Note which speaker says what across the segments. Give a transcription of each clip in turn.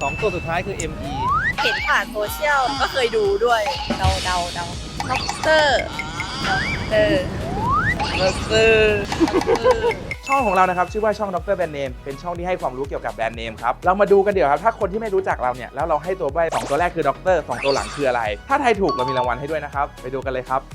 Speaker 1: 2 ตัวสุดท้ายคือ ME
Speaker 2: เห็นผ่านโซเชียลก็เคยดูด้วยเดาด็อกเตอร์
Speaker 3: ช่องของเรานะครับชื่อว่าช่องดรแบรนด์เนมเป็นช่องที่ให้ความรู้เกี่ยวกับแบรนด์เนมครับเรามาดูกันเดี๋ยวครับถ้าคนที่ไม่รู้จักเราเนี่ยแล้วเราให้ตัวใบ้2ตัวแรกคือดร2ตัวหลังคืออะไรถ้าทายถูกเรามีรางวัลให้ด้วยนะครับไปดูกันเลยครับ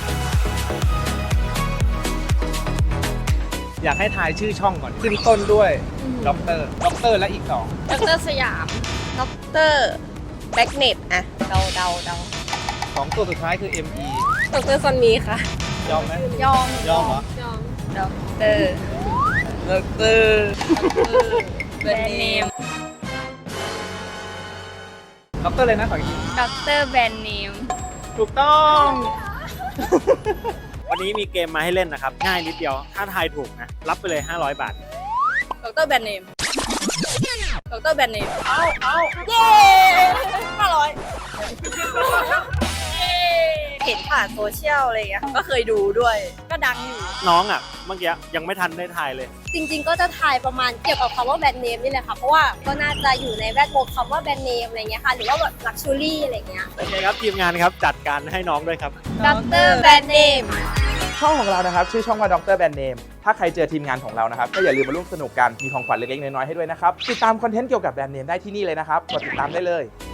Speaker 1: อยากให้ทายชื่อช่องก่อนขึ้นต้นด้วยด็อกเตอร์และอีก
Speaker 2: ด็อกเตอร์สยามด็อกเตอร์แบ็กเน็ตอะเดา
Speaker 1: 2 ตัวสุดท้ายคือ ME
Speaker 2: ด็อกเตอร์ซอนมีค่ะ
Speaker 1: ยอมไหม
Speaker 2: ยอม
Speaker 1: ยอมเหรอ
Speaker 2: ด็อกเตอร์ แบรนด์เนม
Speaker 1: ด็อกเตอร์เลยนะขออีกที
Speaker 2: ด็อกเตอร์แบรนด์เนม
Speaker 1: ถูกต้อง
Speaker 4: วันนี้มีเกมมาให้เล่นนะครับ ง่ายนิดเดียว ถ้าทายถูกนะ รับไปเลย 500 บาท
Speaker 2: ด็อกเตอร์แบรนด์เนมด็อกเตอร์แบรนด์เนมเอาเย้500เห็นผ่านโซเชียลอะไรอย่างเงี้ยก็เคยดูด้วยก็ดังอยู่
Speaker 4: น้องอ่ะ เมื่อกี้ยังไม่ทันได้ทายเลย
Speaker 5: จริงๆ ก็จะทายประมาณเกี่ยวกับคำว่าแบรนด์เนมนี่แหละค่ะ เพราะว่าก็น่าจะอยู่ในแวดวงคำว่าแบรนด์เนมอะไรเงี้ยค่ะ หรือว่าแบบลักชัวรี่อะไรเงี้ย
Speaker 4: โอเคครับ ทีมงานครับ จัดการให้น้องด้วยครับ
Speaker 5: ด็อกเตอร์แบรนด์เนม
Speaker 3: ช่องของเรานะครับชื่อช่องว่าดรแบรนด์เนมถ้าใครเจอทีมงานของเรานะครับก็อย่าลืมมาร่วมสนุกกันมีของขวัญเล็กๆน้อยๆให้ด้วยนะครับติดตามคอนเทนต์เกี่ยวกับแบรนด์เนมได้ที่นี่เลยนะครับกดติดตามได้เลย